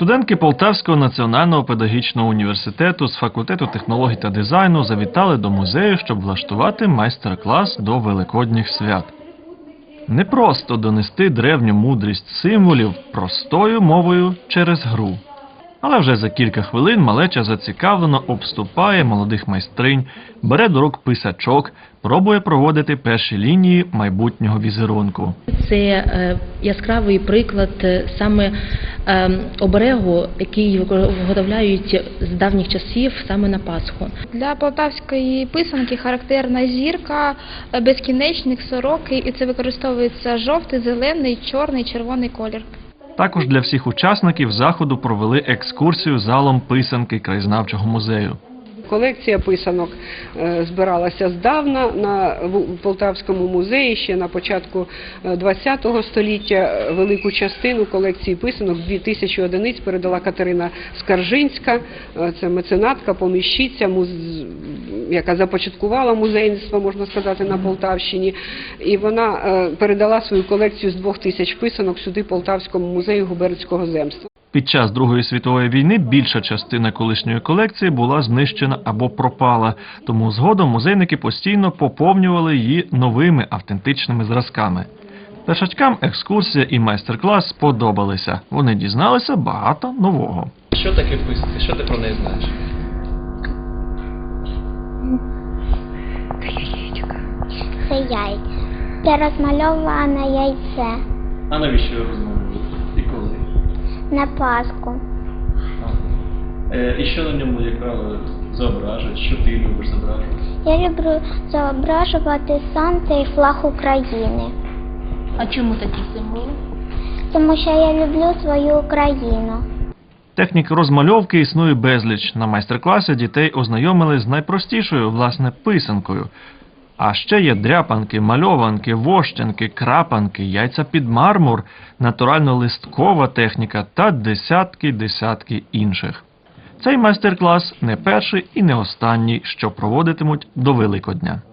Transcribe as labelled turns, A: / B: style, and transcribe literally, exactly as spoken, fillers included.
A: Студентки Полтавського національного педагогічного університету з факультету технологій та дизайну завітали до музею, щоб влаштувати майстер-клас до великодніх свят. Не просто донести древню мудрість символів простою мовою через гру. Але вже за кілька хвилин малеча зацікавлено обступає молодих майстринь, бере до рук писачок, пробує проводити перші лінії майбутнього візерунку.
B: Це е, яскравий приклад е, саме е, оберегу, який виготовляють з давніх часів саме на Пасху.
C: Для полтавської писанки характерна зірка, безкінечник, сороки, і це використовується жовтий, зелений, чорний, червоний колір.
A: Також для всіх учасників заходу провели екскурсію залом писанки краєзнавчого музею.
D: Колекція писанок збиралася здавна на Полтавському музеї ще на початку ХХ століття. Велику частину колекції писанок, дві тисячі одиниць, передала Катерина Скаржинська, це меценатка, поміщиця, яка започаткувала музейництво, можна сказати, на Полтавщині. І вона передала свою колекцію з двох тисяч писанок сюди Полтавському музею губернського земства.
A: Під час Другої світової війни більша частина колишньої колекції була знищена або пропала, тому згодом музейники постійно поповнювали її новими автентичними зразками. Першачкам екскурсія і майстер-клас сподобалися. Вони дізналися багато нового.
E: Що таке писанка? Що ти про неї знаєш?
F: Це яєчко. Це яйця. Це розмальоване яйце.
E: А навіщо його розмовляти? І коли?
F: На Пасху.
E: Е, і що на ньому, яка зображують? Що ти любиш зображувати?
F: Я люблю зображувати сонце і флаг України.
B: А чому такі символи?
F: Тому що я люблю свою Україну.
A: Технік розмальовки існує безліч. На майстер-класі дітей ознайомили з найпростішою, власне, писанкою. А ще є дряпанки, мальованки, вощенки, крапанки, яйця під мармур, натурально-листкова техніка та десятки-десятки інших. Цей майстер-клас не перший і не останній, що проводитимуть до Великодня.